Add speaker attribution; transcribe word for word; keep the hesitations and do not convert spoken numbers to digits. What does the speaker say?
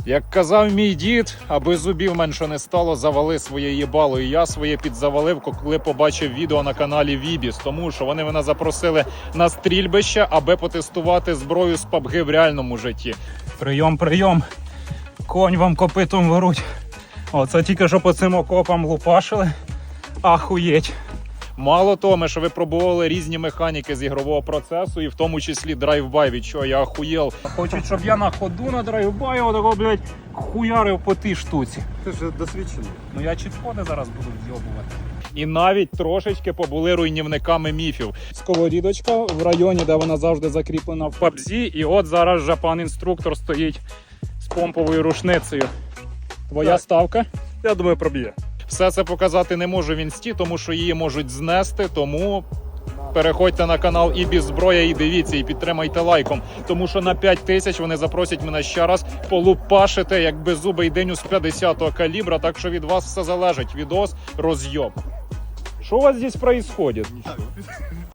Speaker 1: Як казав мій дід, аби зубів менше не стало, завали своє їбало. І я своє підзавалив, коли побачив відео на каналі Вібіс, тому що вони мене запросили на стрільбище, аби потестувати зброю з пабги в реальному житті. Прийом, прийом. Конь вам копитом в грудь. Оце тільки що по цим окопам лупашили. Ахуєть. Мало того, ми що випробували різні механіки з ігрового процесу, і в тому числі драйвбай, від чого я ахуєл. Хочуть, щоб я на ходу на драйвбай отако, блядь, хуярив по тій штуці.
Speaker 2: Ти ж досвідчений.
Speaker 1: Ну я чітходи зараз буду вйобувати. І навіть трошечки побули руйнівниками міфів. Сковорідочка в районі, де вона завжди закріплена в пабзі, і от зараз же пан інструктор стоїть з помповою рушницею. Твоя
Speaker 2: Так.
Speaker 1: ставка?
Speaker 2: Я думаю, проб'є.
Speaker 1: Все це показати не можу в інсті, тому що її можуть знести, тому переходьте на канал Ібіс Зброя і дивіться, і підтримайте лайком. Тому що на п'ять тисяч вони запросять мене ще раз полупашити, як беззубий диню з п'ятдесятого калібра, так що від вас все залежить. Відос роз'єб. Що у вас здесь происходит?